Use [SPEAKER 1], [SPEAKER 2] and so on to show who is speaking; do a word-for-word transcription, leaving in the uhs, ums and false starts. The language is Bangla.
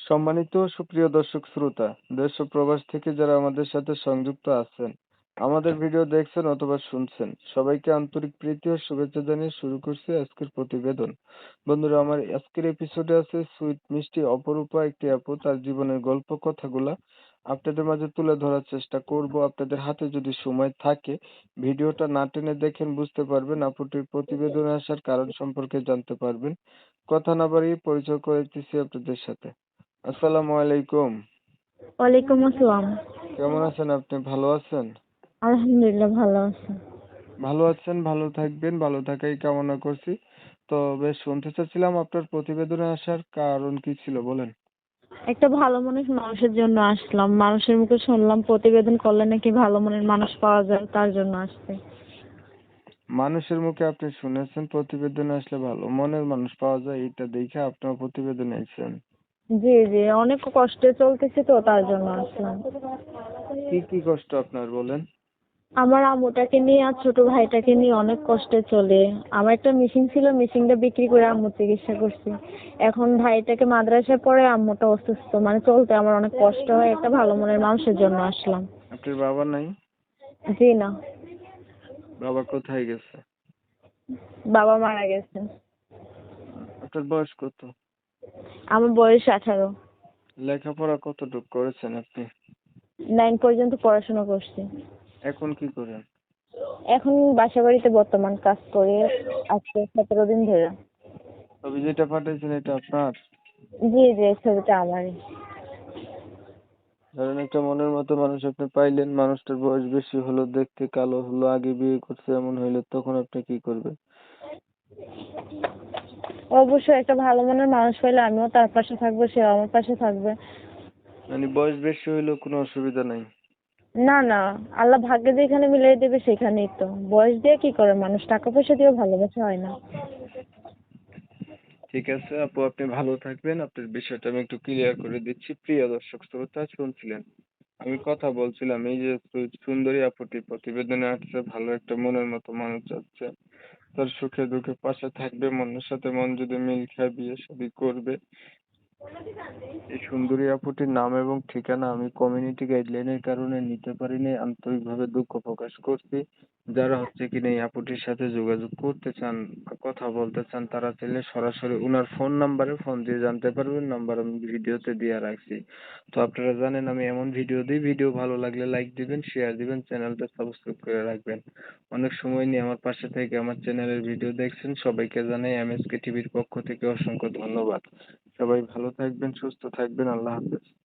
[SPEAKER 1] সম্মানিত সুপ্রিয় দর্শক শ্রোতা, দেশ ও প্রবাস থেকে যারা আমাদের সাথে সংযুক্ত আছেন, আমাদের ভিডিও দেখছেন অথবা শুনছেন, সবাইকে আন্তরিক প্রীতি ও শুভেচ্ছা জানিয়ে শুরু করছি আজকের প্রতিবেদন। বন্ধুরা, আমার আজকের এপিসোডে আছে সুইট মিষ্টি অপরূপা একটি আপু, তার জীবনের গল্প কথাগুলা আপনাদের মাঝে তুলে ধরার চেষ্টা করব। আপনাদের হাতে যদি সময় থাকে, ভিডিওটা না টেনে দেখেন, বুঝতে পারবেন, আপুটির প্রতিবেদনে আসার কারণ সম্পর্কে জানতে পারবেন। কথা না বাড়িয়ে পরিচয় করে দিচ্ছি আপনাদের সাথে। আসসালামু আলাইকুম।
[SPEAKER 2] ওয়ালাইকুম আসসালাম।
[SPEAKER 1] কেমন আছেন আপনি? ভালো আছেন?
[SPEAKER 2] আলহামদুলিল্লাহ ভালো আছি।
[SPEAKER 1] ভালো আছেন, ভালো থাকবেন, ভালো থাকাই কামনা করছি। তো বেশ শুনতে চাচ্ছিলাম আপনার প্রতিবেদনে আসার কারণ কি ছিল, বলেন।
[SPEAKER 2] একটা ভালো মনের মানুষের জন্য আসলাম। মানুষের মুখে শুনলাম প্রতিবেদন করলে নাকি ভালো মনের মানুষ পাওয়া যায়, তার জন্য আসছে।
[SPEAKER 1] মানুষের মুখে আপনি শুনেছেন প্রতিবেদনে আসলে ভালো মনের মানুষ পাওয়া যায়, এটা দেখে আপনার প্রতিবেদনে এসেছেন।
[SPEAKER 2] জি জি, অনেক কষ্টে চলতেছে তো, তার জন্য আসলাম।
[SPEAKER 1] কি কি কষ্ট আপনার, বলেন।
[SPEAKER 2] আমার আম্মুটাকে নিয়ে আর ছোট ভাইটাকে নিয়ে অনেক কষ্টে চলে। আমার একটা মেশিন ছিল, মেশিনটা বিক্রি করে আম্মু চিকিৎসা করছি। এখন ভাইটাকে মাদ্রাসায় পড়ে, আম্মুটা অসুস্থ, মানে চলতে আমার অনেক কষ্ট হয়। একটা ভালো মনের মানুষের জন্য আসলাম।
[SPEAKER 1] আপনার বাবা নাই?
[SPEAKER 2] জি না,
[SPEAKER 1] বাবা কোথায় গেছে?
[SPEAKER 2] বাবা মারা গেছে।
[SPEAKER 1] আপনার বয়স কত?
[SPEAKER 2] আমার বয়স আঠারো।
[SPEAKER 1] লেখাপড়া কতটুকু করেছেন আপনি?
[SPEAKER 2] নাইন পর্যন্ত পড়াশোনা করছি।
[SPEAKER 1] এখন কি করেন?
[SPEAKER 2] এখন বাসা বাড়িতে বর্তমান কাজ করি, আজকে সতেরো দিন ধরে।
[SPEAKER 1] ছবি যেটা পাঠিয়েছেন এটা আপনার?
[SPEAKER 2] জি জি, এই ছবিটা আমারই।
[SPEAKER 1] ধরেন একটা মনের মতো মানুষ আপনি পাইলেন, মানুষটার বয়স বেশি হলো, দেখতে কালো হলো, আগে বিয়ে করছে, এমন হইলে তখন আপনি কি করবেন?
[SPEAKER 2] অবশ্যই একটা ভালো মনের মানুষ পেলে আমিও তার পাশে থাকবো, সেও আমার পাশে থাকবে।
[SPEAKER 1] মানে বয়স বেশি হইলেও কোনো অসুবিধা নাই?
[SPEAKER 2] না না, আল্লাহ ভাগ্যে যেখানে মিলিয়ে দেবে সেখানেই তো। বয়স দিয়ে কি করে মানুষ, টাকা পয়সা দিয়েও ভালোবাসা হয় না।
[SPEAKER 1] ঠিক আছে আপু, আপনি ভালো থাকবেন। আপনার বিষয়টা আমি একটু ক্লিয়ার করে দিচ্ছি। প্রিয় দর্শক শ্রোতা, শুনছিলেন আমি কথা বলছিলাম, এই যে সু- সুন্দরী আপুটি প্রতিবেদনে আসছে, ভালো একটা মনের মতো মানুষ যাচ্ছে, তার সুখে দুঃখে পাশে থাকবে, মনের সাথে মন যদি মিল খায় বিয়ে শাদী করবে। এই সুন্দরী আপুটির নাম এবং ঠিকানা আমি কমিউনিটি গাইডলাইনের কারণে নিতে পারিনি, আন্তরিকভাবে দুঃখ প্রকাশ করছি। যারা হচ্ছে কিনা এই আপুটির সাথে যোগাযোগ করতে চান, কথা বলতে চান, তারা চাইলে সরাসরি উনার ফোন নাম্বারে ফোন দিয়ে জানতে পারবেন। নাম্বার আমি ভিডিওতে দিয়ে রাখছি। তো আপনারা জানেন আমি এমন ভিডিও দিই, ভিডিও ভালো লাগলে লাইক দিবেন, শেয়ার দিবেন, চ্যানেলটা সাবস্ক্রাইব করে রাখবেন। অনেক সময় নিয়ে আমার পাশে থেকে আমার চ্যানেলের ভিডিও দেখছেন, সবাইকে জানাই এমএসকে টিভির পক্ষ থেকে অসংখ্য ধন্যবাদ। সবাই ভালো থাকবেন, সুস্থ থাকবেন। আল্লাহ হাফেজ।